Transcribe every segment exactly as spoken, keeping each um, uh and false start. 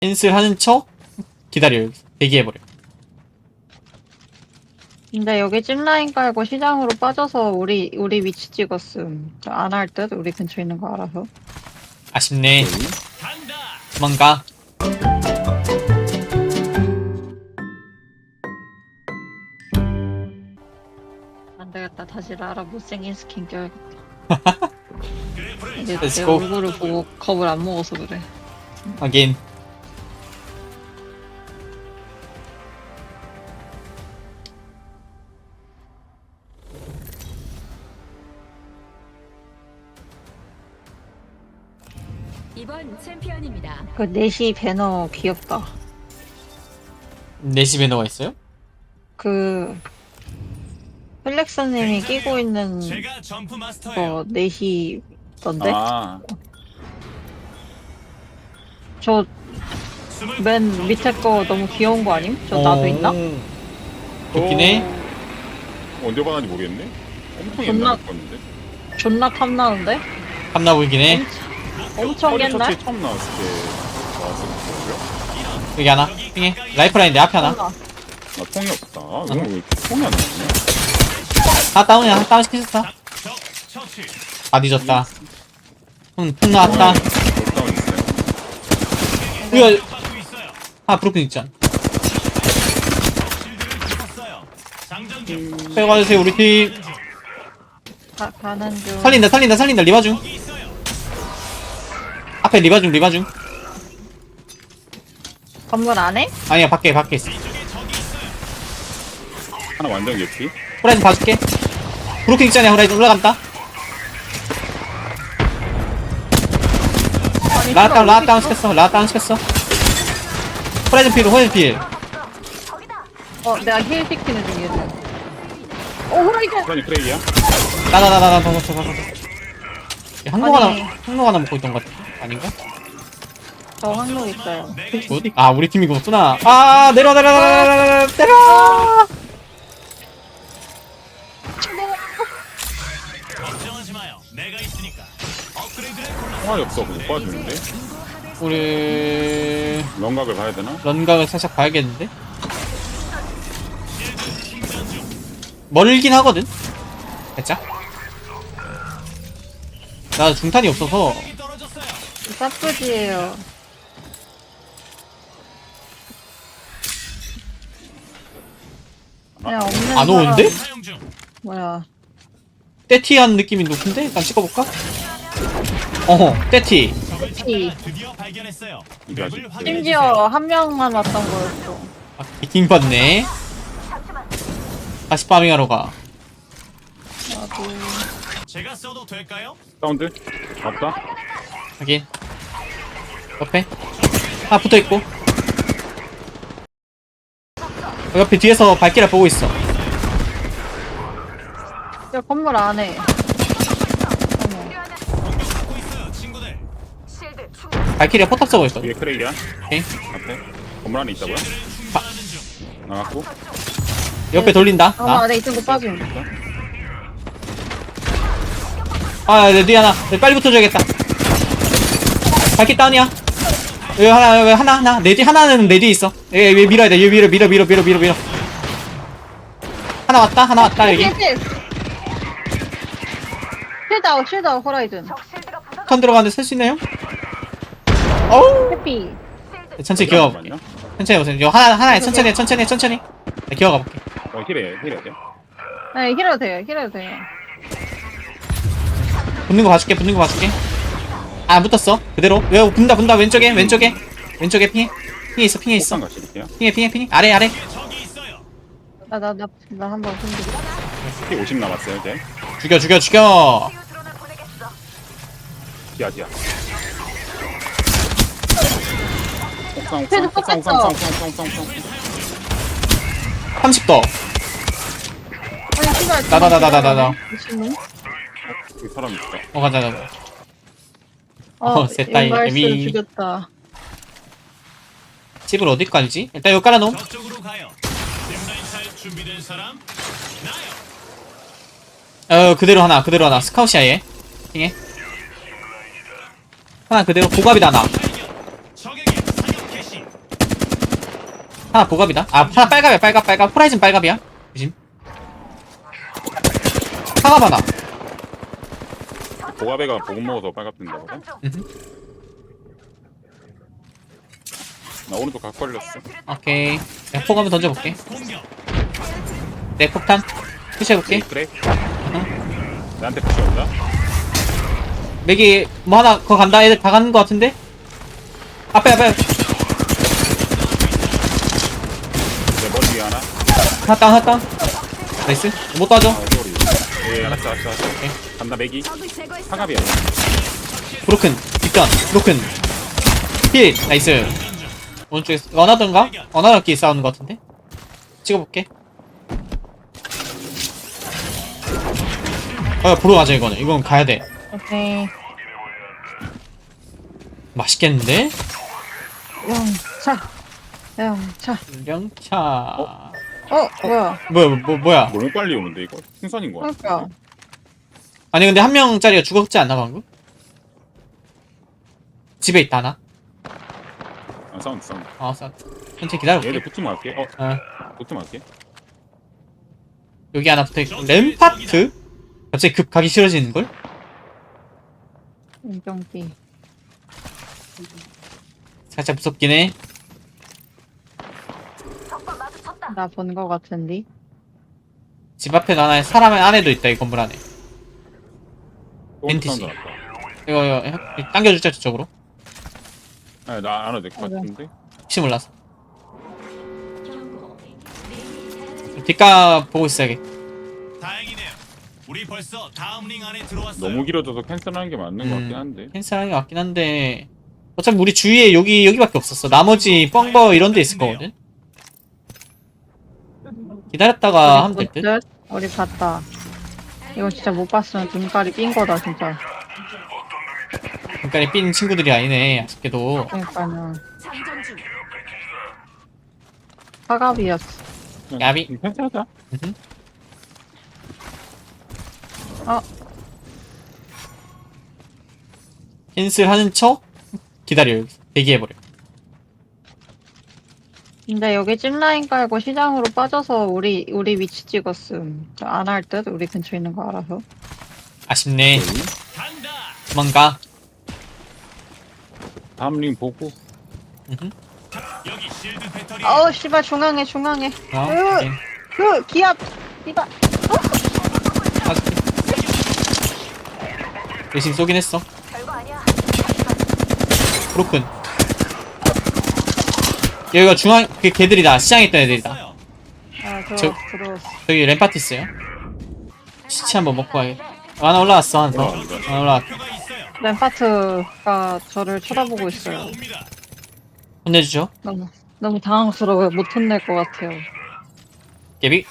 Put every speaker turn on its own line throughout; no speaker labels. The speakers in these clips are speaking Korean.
캔슬 하는 척 기다려. 여기서 대기해버려.
근데 여기 찜라인 깔고 시장으로 빠져서 우리 우리 위치 찍었음. 안 할 듯? 우리 근처에 있는 거 알아서.
아쉽네. 도망가.
안 되겠다. 다시 라라 못생긴 스킨 껴야겠다. 이제
Let's
내
go.
얼굴을 보고 겁을 안 먹어서 그래.
하긴.
이번 챔피언입니다.
그 넷이 배너 귀엽다.
내 집에 넣어 있어요?
그 플렉스님이 끼고 있는
제가 점프
거
마스터예요.
넷이던데?
아,
저 맨 밑에 거 너무 귀여운 거 아님? 저 나도 있나?
좋긴 해.
어, 언제 받았는지 모르겠네. 엄청
존나-
옛날에 봤는데.
존나 탐나는데?
탐나 보이긴 해.
엄청
허리
옛날?
터치 처음 나왔을 때 나왔을 거예요.
여기 하나. 핑해. 라이프라인 내 앞에 하나.
탐나.
나 통이 없다. 이거 왜 이렇게 통이 안 나오냐?
다 다운이야. 다 다운 시켰어.
적 처치.
아 늦었다. 응, 풍 나왔다.
다운 있어요.
이거
받고 있어요.
아 브로큰 있잖아.
실드를 쳤어요. 장전 중.
빼가주세요 우리 팀.
가, 가는 중.
살린다 살린다 살린다. 리바 중.
여기 있어요.
앞에 리바 중 리바 중.
건물 안에?
아니야 밖에 밖에 있어.
이쪽에 적이 있어요.
하나 완전 개피.
호라이즌 봐줄게. 브로큰 있잖아. 호라이즌 올라간다.
아니,
라다운
키가
라다운
어디 있어?
시켰어. 라다운 시켰어. 호라이즌 필 호라이즌 필.
어, 내가 힐 시키는 중이야. 어, 호라이즌!
프라니 프레이야?
나나나나나나나나. 항로 하나
아니.
항로 하나 먹고 있던 것 같아. 아닌가?
저 항로 있어요.
굿. 아 우리 팀이 그거구나. 아 내려 내려 내려 내려 내려 내려.
걱정하지 마요. 내가 있으니까. 업그레이드를 골라.
통화이 없어. 못 봐주는데.
우리
명각을 봐야 되나?
런각을 살짝 봐야겠는데? 멀긴 하거든? 살짝? 나 중탄이 없어서
적이 떨어졌어요.
사프지예요. 그냥 없는
안 오는데?
사람-
사용 중.
뭐야.
떼티한 느낌이 높은데? 일단 찍어볼까? 어허 떼티.
티.
드디어 발견했어요.
이게 아직
맵을 확인해
심지어 한 명만 왔던 거였어.
아, 미팅 받네. 다시 파밍하러 가.
나도.
주세요. 제가 써도 될까요?
사운드? 맞다.
하긴 옆에 하나 붙어있고 어, 옆에 뒤에서 발키라 보고 있어.
야, 건물 안에. 어머.
공격받고 있어요, 친구들.
발키리가 포탑 쏘고 있어.
위에 크레이야.
오케이.
앞에. 건물 안에 있다고요?
실드를 충전하는 중.
나갔고.
옆에 돌린다.
어,
나.
안에 있던 거 빠짐.
아, 내 뒤에 하나. 내 빨리 붙어줘야겠다. 발키 다운이야. 여기 하나, 여기 하나, 하나. 내 뒤, 하나는 내 뒤에 있어. 얘, 얘 밀어야 돼. 얘 밀어, 밀어, 밀어, 밀어, 밀어, 밀어. 하나 왔다, 하나 왔다, 여기.
힐, 힐. 쉴다운, 쉴다운, 호라이즌.
턴 들어가는데 쓸 수 있나요? 어우.
해피.
천천히 기어가 볼게. 천천히 오세요. 이거 하나, 하나에 천천히, 해, 천천히, 해, 천천히. 네, 기어가 볼게.
어, 힐해, 힐해야 돼.
네, 힐해도 돼요, 힐해도 돼요.
붙는 거 봐줄게, 붙는 거 봐줄게. 아, 안 붙었어. 그대로. 왜, 분다, 분다. 왼쪽에, 왼쪽에. 왼쪽에 핑해. 핑해 있어, 핑해 있어.
폭탄 가실게요.
핑해, 핑해, 핑해. 아래, 아래.
적이 있어요.
나, 나, 나, 나 한번 흔들어.
피 오십 남았어요, 이제.
죽여, 죽여, 죽여.
디아, 디아. 옥상,
패드
옥상, 옥상, 옥상,
떴어.
옥상, 옥상, 옥상, 옥상, 옥상.
삼십 더.
아니, 씨발.
나, 나, 나, 나, 나, 나, 나.
미친놈?
여기 사람 있다.
어, 가자, 가자.
어,
어, 셋다
인발스
이미.
죽였다.
집을 어디 깔지? 일단 여기 깔아놓음.
저쪽으로 가요. 짚라인 탈 준비된 사람? 나요.
어, 그대로 하나, 그대로 하나. 스카웃이야, 얘. 핑해. 하나 그대로. 고갑이다, 하나.
발견. 적에게 사격 개시.
하나 보갑이다. 아 하나 빨갑이야. 빨갑 빨갑. 호라이즌 빨갑이야. 조심. 상갑 하나.
보가베가 보급 먹어서 빨갛던다거든.
음흠.
나 오른쪽 각 걸렸어.
오케이. 내가 폭 한번 던져볼게.
공격.
내 폭탄 푸시해볼게.
그래. 나한테 푸시 온다.
맥이 뭐 하나 그거 간다. 애들 다 가는 거 같은데? 앞에 앞에
내 머리 위에 하나.
하나 다운 하나 다운. 나이스. 못 따져.
아, 소리. 예, 알았어, 알았어, 알았어. 간다, 맥이. 상갑이야.
브로큰 뒷전 브로큰 힐 나이스. 오른쪽에 원하던가? 원하던끼리 싸우는 거 같은데? 찍어볼게. 어 보러 가자 이거는. 이건 가야돼.
오케이.
맛있겠는데?
영차. 영차.
영차.
어, 뭐야.
뭐야 뭐 뭐야.
너무 빨리 오는데, 이거? 풍선인 거야.
그러니까.
아니 근데 한 명짜리가 죽었지 않나 방금? 집에 있다 하나?
아, 사운드, 사운드.
아 싸. 천천히 기다려볼게.
얘들 붙으면 할게. 어,
어
붙으면 할게.
여기 하나 붙어있고 램파트? 갑자기 급 가기 싫어지는걸?
인정기.
살짝 무섭긴 해.
나 본 거 같은데.
집 앞에 하나 사람 안에도 있다 이 건물 안에.
오른쪽
엔티씨.
사운드 났다.
이거 이거 해- 당겨줄자 저쪽으로.
아, 나안 해도 될 것
그래.
같은데?
혹시 몰라서. 뒷가 보고 있어야겠.
다행이네요. 우리 벌써 다음 링 안에 들어왔어요.
너무 길어져서 캔슬하는 게 맞는 것 같긴 한데.
캔슬하는 게 맞긴 한데 어차피 우리 주위에 여기 여기밖에 없었어. 나머지 뻥버 이런 데 있을 거거든. 기다렸다가 하면 될 듯.
듯? 우리 봤다. 이거 진짜 못 봤으면 눈깔이 삔 거다, 진짜.
그러니까 삔 친구들이 아니네. 아쉽게도.
그러니까는. 사갑이었어.
야비.
음, 캔슬하자.
음흠.
어,
캔슬하는 척 기다려. 여기 대기해버려.
근데 여기 찜라인 깔고 시장으로 빠져서 우리, 우리 위치 찍었음. 안 할 듯? 우리 근처에 있는 거 알아서.
아쉽네.
간다.
도망가.
다음 링 보고.
음흠.
여기 실드 배터리.
어우, 씨발, 중앙에, 중앙에.
어,
으,
오케이.
그, 기압! 이봐.
맞을게. 대신 쏘긴 했어. 브로큰. 여기가 중앙, 그 걔들이다. 시장에 있던 애들이다.
있어요.
아, 들어,
저-
들어왔어.
저기 램파트 있어요. 시체 한번 먹고 가야겠다. 하나 올라왔어, 하나 더. 하나 올라왔다.
표가 있어요.
램파트가 저를 쳐다보고 있어요.
옵니다.
혼내주죠.
너무, 너무 당황스러워요. 못 혼낼 것 같아요.
예비.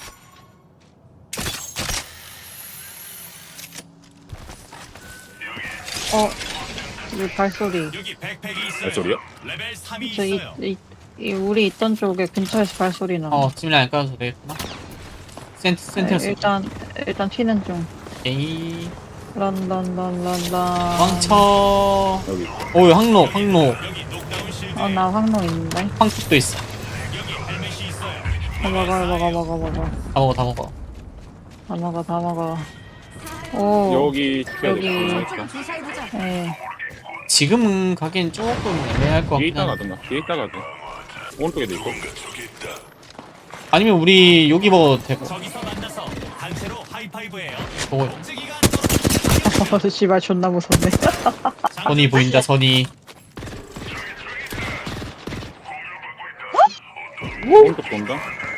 어, 이 발소리.
여기 백팩이 있어요.
발소리요?
레벨 삼이
저 이,
있어요.
이, 이 우리 있던 쪽에 근처에서 발소리 나.
어, 찜라인 깔아도 되겠구나. 센트,
네,
센트였어.
일단 일단 튀는 중.
에이.
런런런런런.
왕쳐.
여기.
오, 항로, 항로.
여기 녹다운 실드.
어, 나 황로 있는데.
황툭도 있어.
여기 헬멧이 있어요.
어, 먹어 먹어 먹어 먹어.
다 먹어, 다 먹어.
다 먹어 다 먹어. 오.
여기 지켜야
여기.
돼.
예.
지금은 가기엔 조금 애매할 것
뒤에
같긴
있다
한데.
가든가. 뒤에 있다 가든. 오른쪽에도 있고.
아니면 우리 여기 먹어도 되고.
저기서 만나서 단체로 하이파이브예요.
보고.
목재기가
어, 씨발 존나 무섭네.
선이 보인다, 선이.
오른쪽 본다.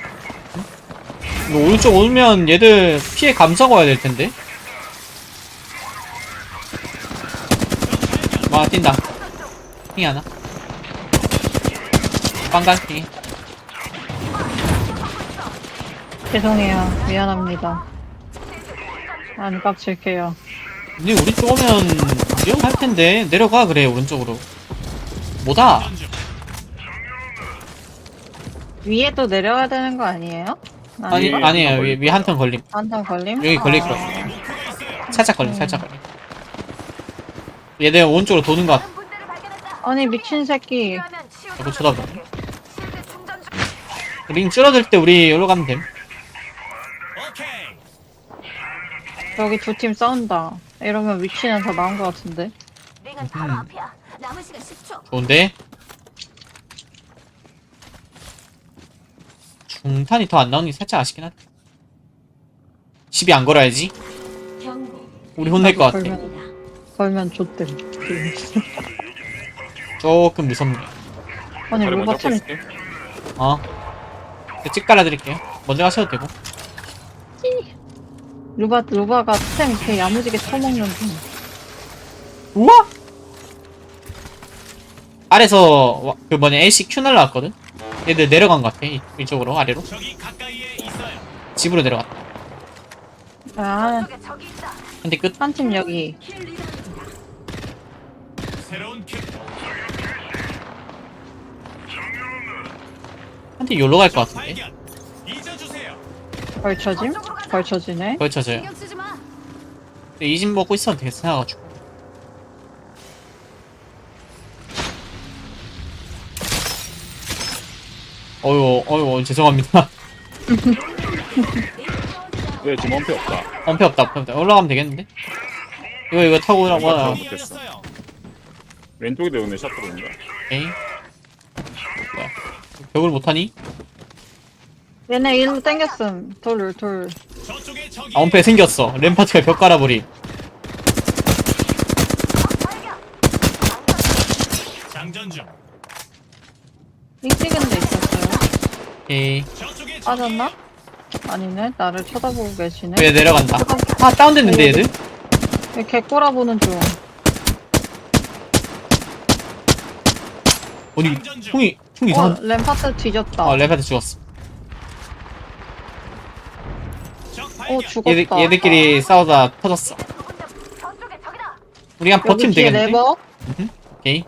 이거 오른쪽 오면 얘들 피해 감싸고 와야 될 텐데. 와, 뛴다. 핑이 하나. 빵간 핑이.
죄송해요. 미안합니다. 안 깝칠게요.
근데 우리 쪽 오면 위험할 텐데. 내려가, 그래, 오른쪽으로. 뭐다?
위에 또 내려야 되는 거 아니에요?
아니,
위에
아니에요.
한턴
위, 위 한 턴 걸림.
한턴 걸림?
여기 걸릴 것
아,
같아. 살짝 걸림, 살짝 걸림. 얘들 오른쪽으로 도는 것 같아.
아니 미친 새끼.
자꾸 쳐다보네. 링 줄어들 때 우리 여기로 가면 됨.
오케이.
여기 두 팀 싸운다. 이러면 위치는 더 나은 것 같은데.
내가 바로 앞이야. 남은 시간 십 초.
좋은데? 중탄이 더 안 나오니 살짝 아쉽긴 하다. 시비 안 걸어야지.
경고.
우리 혼낼 것 같아.
걸면, 걸면 좆됨.
조금 무섭네.
아니,
다리
로바
먼저
템
볼게.
어. 찍 깔아드릴게요. 먼저 가셔도 되고.
루바, 루바가 템 개 야무지게 처먹는 중.
우와! 아래서 와- 그 뭐냐 엘씨 Q 날라왔거든? 얘들 내려간 것 같아. 이- 이쪽으로 아래로.
적이 가까이에 있어요.
집으로 내려갔다.
아,
한대 끝.
한 팀 여기.
킬 리더입니다.
새로운 킬.
한대 요로 갈 것 같은데.
발견. 잊어주세요.
걸쳐짐? 걸쳐지네.
걸쳐져요.
신경 쓰지 마.
근데 이 집 먹고 있어도 되겠어 생각가지고. 어휴 어휴 죄송합니다.
왜 지금 원패 없다.
엄폐 없다 엄폐 없다. 올라가면 되겠는데? 이거 이거 타고 오라고 하나.
못 됐어. 왼쪽에 오늘 샷 들어온다.
오케이. 뭐야. 벽을 못하니?
얘네 일로 땡겼음. 돌, 돌.
저쪽에 적이.
아 엄폐 생겼어. 램파트가 벽 깔아버림.
장전 중.
링 찍은 데 있었어요.
오케이.
저쪽에 적이.
빠졌나? 아니네. 나를 쳐다보고 계시네.
왜 내려간다. 아 다운됐는데 얘들?
개 꼬라보는 중.
어디 총이 총
어,
이상한.
램파트 뒤졌다.
어 램파트 죽었어.
적
어,
발견.
죽었다.
얘들 얘들끼리 싸우다 터졌어. 우리 한
여기
버티면
뒤에
되겠는데?
레버.
음흠. 오케이.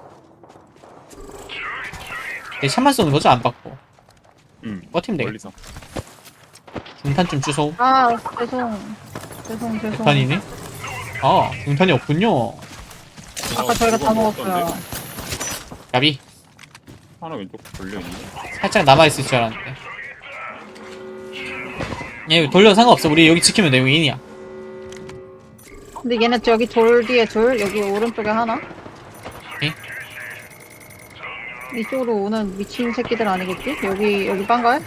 얘 샷만 쏘는 거죠? 안 받고.
응.
버티면 되겠다.
멀리서.
중탄 좀 주소.
아, 죄송. 죄송, 죄송.
중탄이네? 아, 중탄이 없군요.
아까 저희가 다 먹었어요.
야비.
하나 왼쪽 걸려 있네.
살짝 남아있을 줄 알았는데. 얘 돌려 상관없어. 우리 여기 지키면 돼. 여기 인이야.
근데 얘네 여기 돌 뒤에 둘, 여기 오른쪽에 하나.
오케이.
이쪽으로 오는 미친 새끼들 아니겠지? 여기, 여기 빵가요?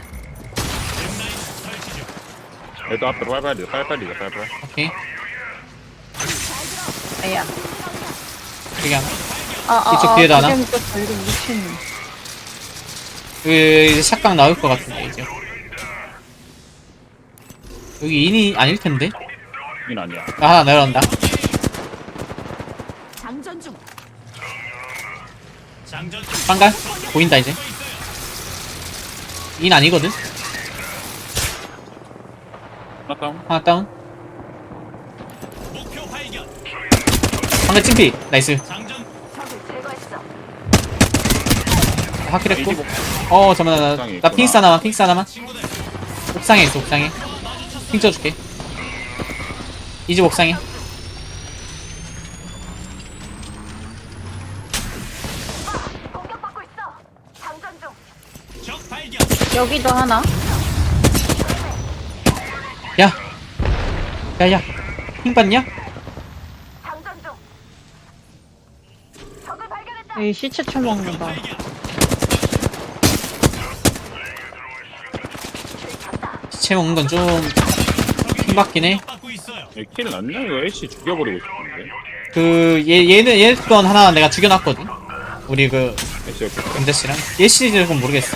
설치 중.
얘도 앞으로 빨리빨리 빨리빨리 빨리빨리.
오케이.
아야.
여기 하나.
아, 아,
이쪽
아,
뒤에도 하나?
두개 묶였어. 이거 미친.
여기 이제 샷각 나올 것 같은데, 이제. 여기 인이 아닐 텐데?
이건 아니야.
나 하나 내려온다.
장전 중.
장전 중.
빵갈? 보인다, 이제. 인 아니거든?
하나 다운.
하나 다운.
목표 발견.
방금 찜피. 나이스.
장전.
하키랬고.
에이지
어, 잠깐만. 나,
옥상에
나
있구나.
핑스 하나만, 핑스 하나만.
친구들.
옥상에 있어, 옥상에. 핑 쳐줄게. 이 집 옥상에.
적 발견.
여기도 하나.
야! 야, 야. 핑 봤냐?
여기 시체 처먹는다.
발견.
시체 먹는 건 좀, 핑 받긴 해.
받고 있어요.
얘 킬 났냐? 이거 애쉬 죽여버리고 싶은데.
그, 얘, 얘는, 얘 건 하나 내가 죽여놨거든? 우리 그,
애쉬 옆에.
금자씨랑. 얘 시리즈는 모르겠어.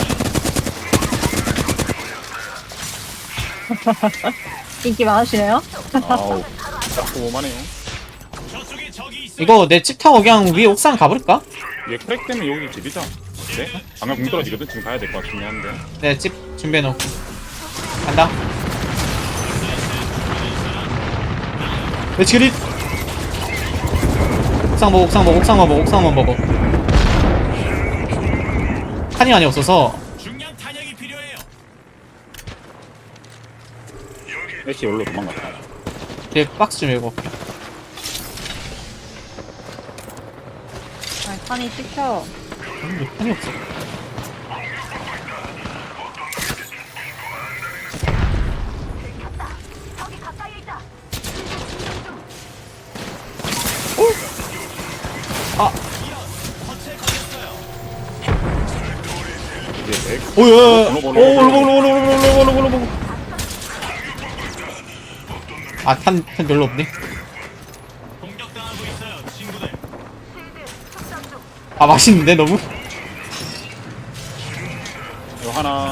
인기 많으시네요?
아우. 딱 오만해요.
저쪽에 적이 있어요.
이거 내 집 타고 그냥 위에 옥상 가볼까?
얘 크랙 때문에 여기 집이자. 네? 방금 공 떨어지거든. 지금 가야 될 것 같긴 한데.
내가 집 준비해놓고. 간다. 렛츠기릿! 옥상 먹어, 옥상 먹어, 옥상만 먹어, 옥상만 먹어. 칸이 많이 없어서.
중량 탄약이 필요해요.
애쉬 여기로 도망갔다.
뒤에 박스 좀 읽어볼게.
아니, 판이 찍혀.
음, 칸이 없어. 아,
이게 맥.
오야.
올로,
오,
올로, 올로,
올로, 올로, 올로, 올로, 올로, 올로, 올로. 아, 탄, 탄 별로 없네.
공격당하고 있어요, 친구들.
아, 맛있는데 너무.
이거 하나.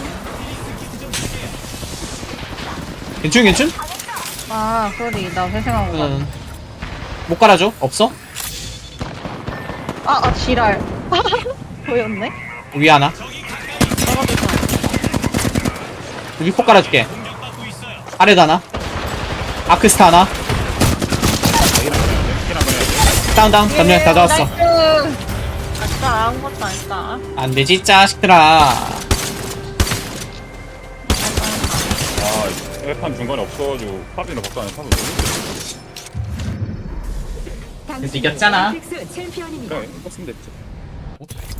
괜춘, 괜춘?
아 소리 나 회생한 거 같아.
응. 못 깔아줘? 없어?
아, 아 지랄. 보였네?
위에 하나.
떨어졌어.
위폭 깔아줄게.
공격받고 있어요.
아래도 하나. 아크스타 하나.
자기랑 그래야 돼. 자기랑 그래야 돼.
다운, 다운. 전멸 다 잡았어.
나이스. 아까 아무것도 안 했다.
안 되지, 자식들아.
아, 에판 중간에 없어가지고 팝이나 박사는 팝을 너무
이겼잖아.
픽스 챔피언입니다.
그래, 이거 쓰면 됐지.